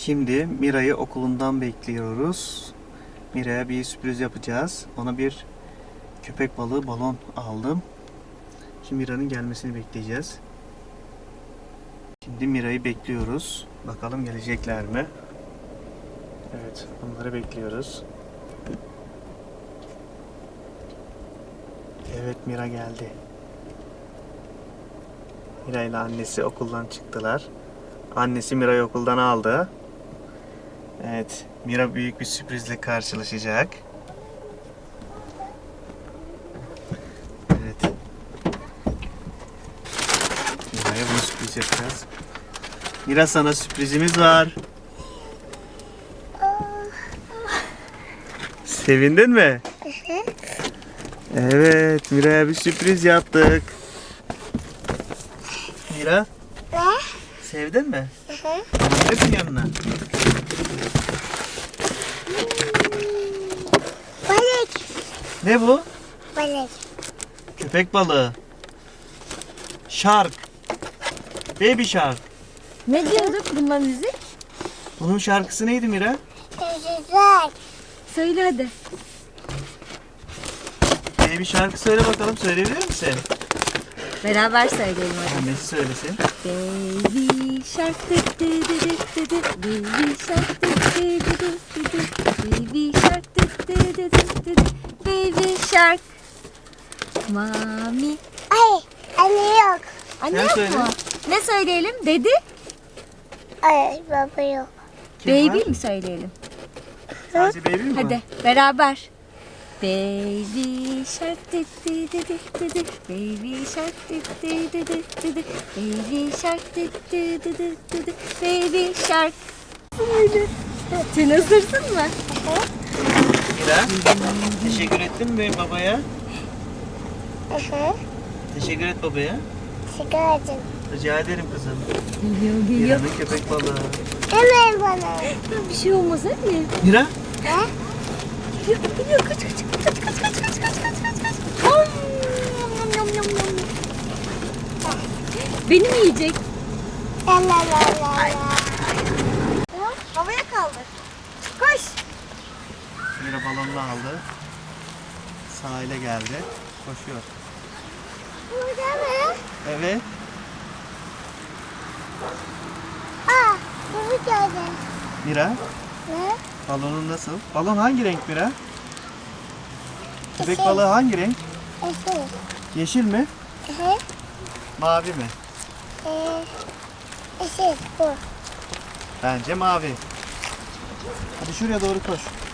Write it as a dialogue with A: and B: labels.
A: Şimdi Mira'yı okulundan bekliyoruz. Mira'ya bir sürpriz yapacağız. Ona bir köpek balığı balon aldım. Şimdi Mira'nın gelmesini bekleyeceğiz. Şimdi Mira'yı bekliyoruz. Bakalım gelecekler mi? Evet, onları bekliyoruz. Evet, Mira geldi. Mira ile annesi okuldan çıktılar. Annesi Mira'yı okuldan aldı. Evet, Mira büyük bir sürprizle karşılaşacak. Evet. Mira'ya bunu sürpriz yapacağız. Mira, sana sürprizimiz var. Sevindin mi? Evet, Mira'ya bir sürpriz yaptık. Mira, sevdin mi? Gidelim yanına.
B: Balık.
A: Ne bu?
B: Balık.
A: Köpek balığı. Shark. Baby shark.
C: Ne diyorduk bununla müzik?
A: Bunun şarkısı neydi Mira?
B: Güzel.
C: Söyle hadi.
A: Baby shark'ı söyle bakalım. Söyleyebilir misin?
C: Beraber söyleyelim hadi.
A: Annesi söylesin.
C: Baby shark dı dı dı dı dı dı. Baby shark dı dı dı dı dı dı. Baby shark dı dı dı dı dı dı. Baby shark. Mami.
B: Ay, anne yok.
C: Anne
A: Sen
C: yok
A: söyle.
C: mu? Ne söyleyelim? Dedi.
B: Ay, baba yok.
A: Kim
C: Baby
A: var?
C: mi söyleyelim?
A: Sadece baby mi
C: Hadi
A: var?
C: beraber. Baby shark dı dı dı dı dı dı. Baby shark dı dı dı dı dı dı. Baby shark dı dı dı dı dı dı. Baby shark. Sen hazırsın mı?
A: Mira, teşekkür ettin mi babaya? Teşekkür et babaya.
B: Çıkardım.
A: Rica ederim kızım.
C: Geliyor geliyor.
A: Mira'nın köpek balığı.
B: Hemen bana.
C: Bir şey olmaz hadi.
A: Mira,
B: Ne?
C: Geliyor geliyor kaç kaç kaç kaç kaç kaç kaç kaç kaç kaç. Om, yum, yum, yum, yum. Beni mi yiyecek?
B: La la la la la.
C: Havaya kaldır. Koş.
A: Mira balonunu aldı. Sahile geldi. Koşuyor.
B: Burada mı?
A: Evet.
B: Aa, bunu gördüm.
A: Mira,
B: Ne?
A: balonun nasıl? Balon hangi renk Mira? Köpek
B: Yeşil.
A: balığı hangi renk?
B: Eşit.
A: Yeşil mi? Mavi mi?
B: Eşit bu.
A: Bence mavi. Hadi şuraya doğru koş.